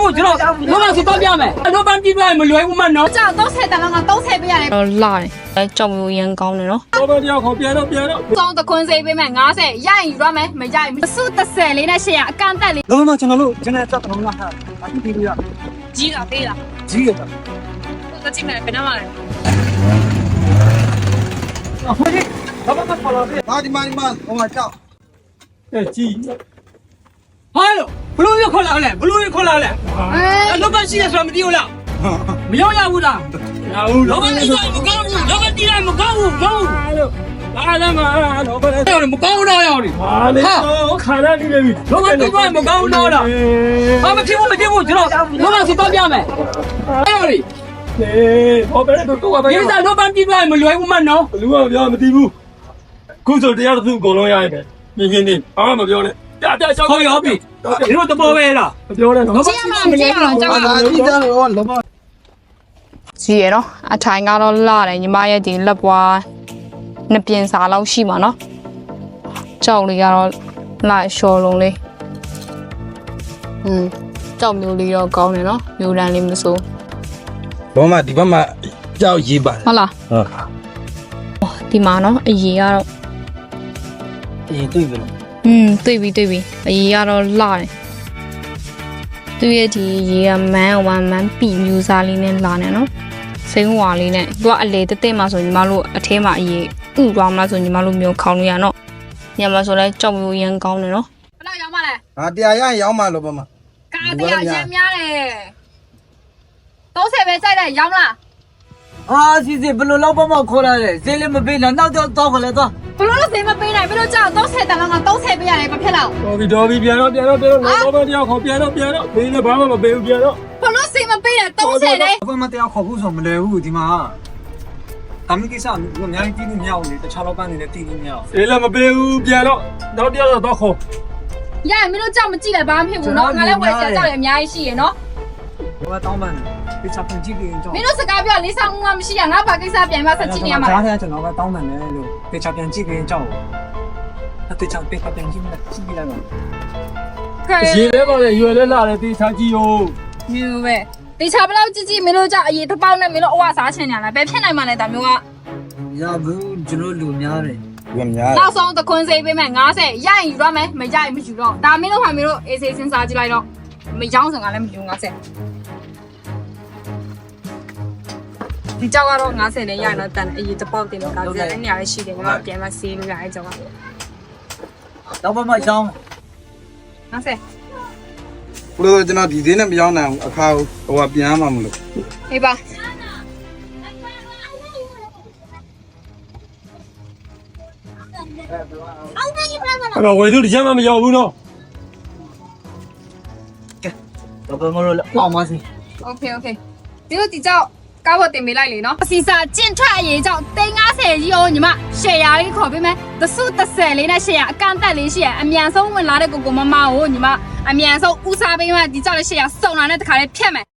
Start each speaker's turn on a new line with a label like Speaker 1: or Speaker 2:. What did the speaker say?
Speaker 1: ဘူးကျွန်တော်လောကစီတော့ပြမယ်လောပန်းပြပြမလွယ်ဘူးမနော်
Speaker 2: ကြောက်30တန်းက30ပေးရတယ်
Speaker 3: တော့လာတယ်အဲကြောက်မျိုးရန်ကောင်းတယ်နော်
Speaker 1: လောပန်းတရားခေါ်ပြန်တော့
Speaker 2: စောင်းတခွန်းစေးပေးမယ်90ရရင်ယူရမယ်မရရင်မစု30လေးနဲ့800အကန့်တက်လေး
Speaker 1: လောမကျွန်တော်တို့ကျွန်တော်တက်တော့လာဟာအခုပြီးလို့ရ
Speaker 2: ကြီးတာပေးလား
Speaker 1: ကြီးရတာ
Speaker 2: တော့ကြည့်မယ်ဘယ်နှမလဲ
Speaker 1: ဟုတ်ကဲ့ဘာမှမခေါ်လာသေး
Speaker 4: မာဒီဟိုမှာကြောက်
Speaker 1: အဲကြီးဟာလို့ဘလို့ရခေါ်လာလဲဘလို့ရခေါ်လာလဲလောပန်းရှိရဆိုမသိဘူးလားမရောက်ရဘူးလားရဘူးလောပန်းတရားမကောင်းဘူးလောပန်းတရားမကောင်းဘူးကောင်းလို့လာလာမလောပန်းတရားမကောင်းတော့ရောက်နေဟာလေခါရနေပြီလောပန်းတရားမကောင်းတော့လားဟာမဖြစ်ဘူးကျွန်တော်လောပန်းစီတော့ပြမယ်အဲ့လေဟောဘယ်တော့ပဲဒီစားလောပန်းပြပြမလွယ်ဘူးမနော်
Speaker 5: လူကပြောမသိဘူးခုဆိုတရားတစ်ခုအကုန်လုံးရရင်ပဲမြင်နေဘာမှမပြောနဲ့ပြရှောက်
Speaker 1: ခေါ်ရောပြီဒီလိုတဘောပဲလား
Speaker 5: မပြောနဲ့နော်
Speaker 2: ကြည့်ရမှာမကြည့်ရတော့ကြောက်တာ
Speaker 4: ဒီကြောက်တော့လောမ
Speaker 3: ကြီးရနော်အထိုင်ကတော့လာတယ်ညီမရဲ့ဒီလက်ပွားနှစ်ပြင်စာလောက်ရှိမှာနော်ကြောက်လေးကတော့လာရှော်လုံးလေးကြောက်မျိုးလေးတော့ကောင်းတယ်နော်မျိုးတန်းလေးမစိုး
Speaker 4: လောမဒီဘက်မှာကြောက်ရေးပါတယ်
Speaker 3: ဟုတ်လား
Speaker 4: ဟုတ်
Speaker 3: ဒီမှာနော်အရေးကတော့
Speaker 4: အေးတွေ့ပြီလား
Speaker 3: တွေ့ပြီအရေးကတော့လာတယ်သူရဲ့ဒီရေကမန်းပီမျိုးစားလေးနဲ့လာနေနော်စိမ်းဝါလေးနဲ့သူကအလေတက်မှာဆိုညီမတို့အထဲမှာအရေးဥသွားမလားဆိုညီမတို့မျိုးခေါင်းလို့ရနော်ညမှာဆိုလဲကြောက်မျိုးရန်ကောင်းတယ်နော်
Speaker 2: ဘယ်လောက်ရောက်မလဲ
Speaker 4: ဟာတရားရရင်ရောက်မှလောမ
Speaker 2: ကားတရားရမ်းများတယ်30ပဲစိုက်တယ်ရောက်လား
Speaker 1: အာစီစီဘလို့လောက်ပမခေါ်လာလဲဈေးလည်းမပေးနဲ့နောက်တော့ခေါ်လဲတော့
Speaker 2: ဘလို့လို့စေးမပေးနိုင်ဘလို့ကြောက်30တန်းက30ပေးရတယ်မဖြစ်တော့
Speaker 5: တော်ပြီပြန်တော့လောဘတရားခေါ်ပြန်တော့ဘေးနဲ့ဘာမှမပေးဘူးပြန်တော့
Speaker 2: ဘလို့စေးမပေးတယ်30လေ
Speaker 1: ဘာမှတရားခေါ်ဖို့ဆိုမလဲဘူးဒီမှာတမီးကိစ္စကအများကြီးတီးနေမြောက်နေတခြားလောကနေလည်းတီးနေမြောက်
Speaker 5: အေးလည်းမပေးဘူးပြန်တော့နောက်တရားတော့ခေါ်
Speaker 2: ရရင်မင်းတို့ကြောက်မကြည့်လည်းဘာမှမဖြစ်ဘူးနော်ငါလည်းဝယ်ချက်ကြောက်လည်းအများကြီးရှိရနော်
Speaker 1: ဘာတောင်းပန်ဒီချက်ပြန်ကြည့်ပြီးကြောက်
Speaker 2: မင်းတို့စကားပြောလေးဆောင်ငါမရှိရငါဘာကိစ္စပြန်မဆက်ကြည့်နေရမှာ
Speaker 1: ကြားထဲကျွန်တော်ကတောင်းပန်တယ်လို့ဒီချက်ပြန်ကြည့်ပြီးကြောက်အတေချောက်ပြန်ကြည့်လိုက်ကြည့်လိုက်ပါ
Speaker 5: ရေလဲပါလေရွယ်လဲလာတယ်တေးချကြည့်ရော
Speaker 2: မျိုးပဲတေချာဘလောက်ကြည့်ကြည့်မင်းတို့ကြောက်အရေးတစ်ပေါက်နဲ့မင်းတို့အဝစားချင်တယ်လားဘယ်ဖြစ်နိုင်မှလဲဒါမျိုးက
Speaker 1: ရဘူးကျွန်တော်လူများတယ်
Speaker 4: ဝင်များ
Speaker 2: နောက်ဆုံးတခွန်းစေးပေးမယ်90ရရင်ယူရမယ်မရရင်မယူတော့ဒါမင်းတို့ဟာမင်းတို့အေးစေးစဉ်းစားကြည့်လိုက်တော့မရောင်းစံကလည်းမယူ90ဒီကြောက်ကတော့90နဲ့ရရင်တော့တန်အရေးတစ်ပေါက်တင်လို့ကကြတဲ့နေရာလေးရှိတယ်ကျွန်တော်ပြန်မဆေးလို့ရအဲကြောက်ကတော့
Speaker 1: တော့ဘာမှချောင်း
Speaker 2: 90
Speaker 4: ဘလို့ကျွန်တော်ဒီသေးနဲ့မရောက်နိုင်ဘူးအခါဟိုကပြန်မှမလို့
Speaker 2: ဟေးပါ
Speaker 5: အဲ့တော့ဝယ်သူတစ်ချက်မှမရောက်ဘူးနော်
Speaker 1: တော့ဘာမလို့အောင်မစီ
Speaker 2: โอเคဒီလိုဒီကြောက်ကားပေါ်တင်ပေးလိုက်လေနော်အစီစာကျင့်ထွက်အရေးကြောင့်350ကြီးရောညီမရှယ်ယာလေးခေါ်ပေးမယ်သစု30လေးနဲ့ရှယ်ယာအကန့်တက်လေးရှိရအမြန်ဆုံးဝင်လာတဲ့ကိုမမကိုညီမအမြန်ဆုံးဦးစားပေးမှဒီကြောက်လေးရှယ်ယာစုံလာတဲ့တခါလေးဖြတ်မယ်